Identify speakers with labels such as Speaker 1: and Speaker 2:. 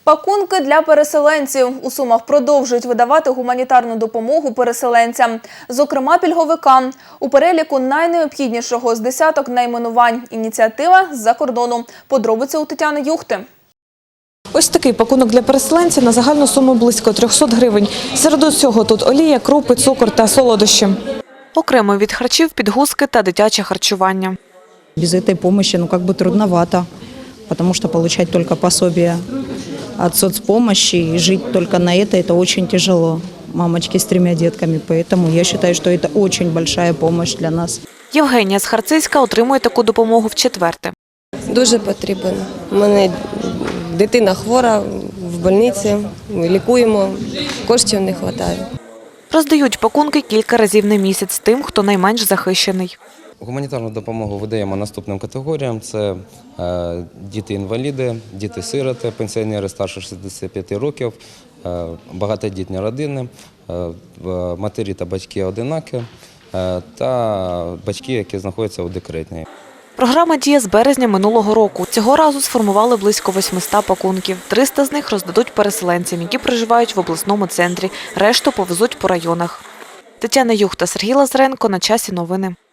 Speaker 1: Пакунки для переселенців. У Сумах продовжують видавати гуманітарну допомогу переселенцям, зокрема пільговикам. У переліку найнеобхіднішого з десяток найменувань. Ініціатива з-за кордону. Подробиці у Тетяни Юхти.
Speaker 2: Ось такий пакунок для переселенців на загальну суму близько 300 гривень. Серед усього тут олія, крупи, цукор та солодощі. Окремо від харчів – підгузки та дитяче харчування.
Speaker 3: Без этой помощи, трудновато, потому что получать только пособие от соцпомощи и жить только на это очень тяжело. Мамочки с 3 детками, поэтому я считаю, что это очень большая помощь для нас.
Speaker 2: Євгенія з Харциська отримує таку допомогу вчетверте.
Speaker 4: Дуже потрібен. У мене дитина хвора, в больниці, ми лікуємо, коштів не вистачає.
Speaker 2: Роздають пакунки кілька разів на місяць тим, хто найменш захищений.
Speaker 5: Гуманітарну допомогу видаємо наступним категоріям. Це діти-інваліди, діти-сироти, пенсіонери старше 65 років, багатодітні родини, матері та батьки-одинаки та батьки, які знаходяться у декретній.
Speaker 2: Програма діє з березня минулого року. Цього разу сформували близько 800 пакунків. 300 з них роздадуть переселенцям, які проживають в обласному центрі. Решту повезуть по районах. Тетяна Юхта, Сергій Лазаренко. На часі новини.